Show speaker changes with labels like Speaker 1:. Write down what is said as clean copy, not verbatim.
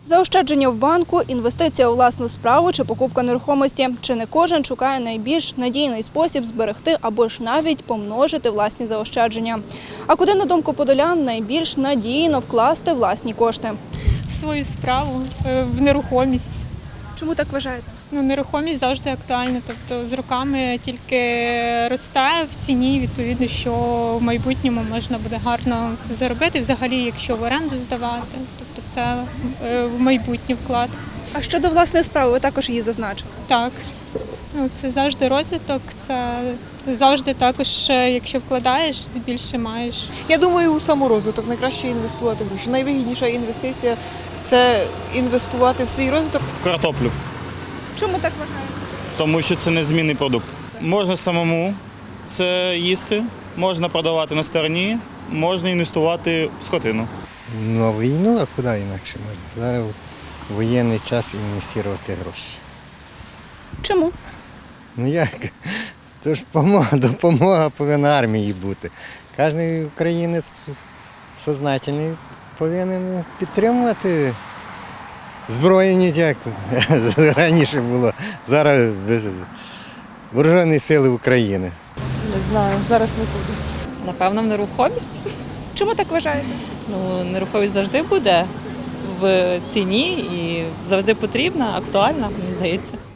Speaker 1: Заощадження в банку, інвестиція у власну справу чи покупка нерухомості. Чи не кожен шукає найбільш надійний спосіб зберегти або ж навіть помножити власні заощадження. А куди, на думку подолян, найбільш надійно вкласти власні кошти?
Speaker 2: В свою справу, в нерухомість.
Speaker 1: Чому так вважаєте?
Speaker 2: Нерухомість завжди актуальна, тобто з роками тільки росте в ціні, відповідно, що в майбутньому можна буде гарно заробити, взагалі, якщо в оренду здавати, тобто це в майбутній вклад.
Speaker 1: А щодо власної справи, ви також її зазначили.
Speaker 2: Так, це завжди розвиток, це завжди також, якщо вкладаєш, більше маєш.
Speaker 3: Я думаю, у саморозвиток найкраще інвестувати гроші. Найвигідніша інвестиція – це інвестувати в свій розвиток.
Speaker 4: Картоплю,
Speaker 1: Чому так вважаєте?
Speaker 4: тому що це незмінний продукт. Можна самому це їсти, можна продавати на стороні, можна інвестувати в скотину.
Speaker 5: На війну, а куди інакше можна? Зараз в воєнний час інвестувати гроші.
Speaker 1: Чому?
Speaker 5: Ну як? Тож допомога повинна армії бути. Кожен українець сознательний повинен підтримувати збройні, як раніше було. Зараз Вооружені сили України.
Speaker 3: Не знаю, зараз не буду.
Speaker 6: Напевно, в нерухомість.
Speaker 1: Чому так вважаєте?
Speaker 6: Нерухомість завжди буде в ціні і завжди потрібна, актуальна, мені здається.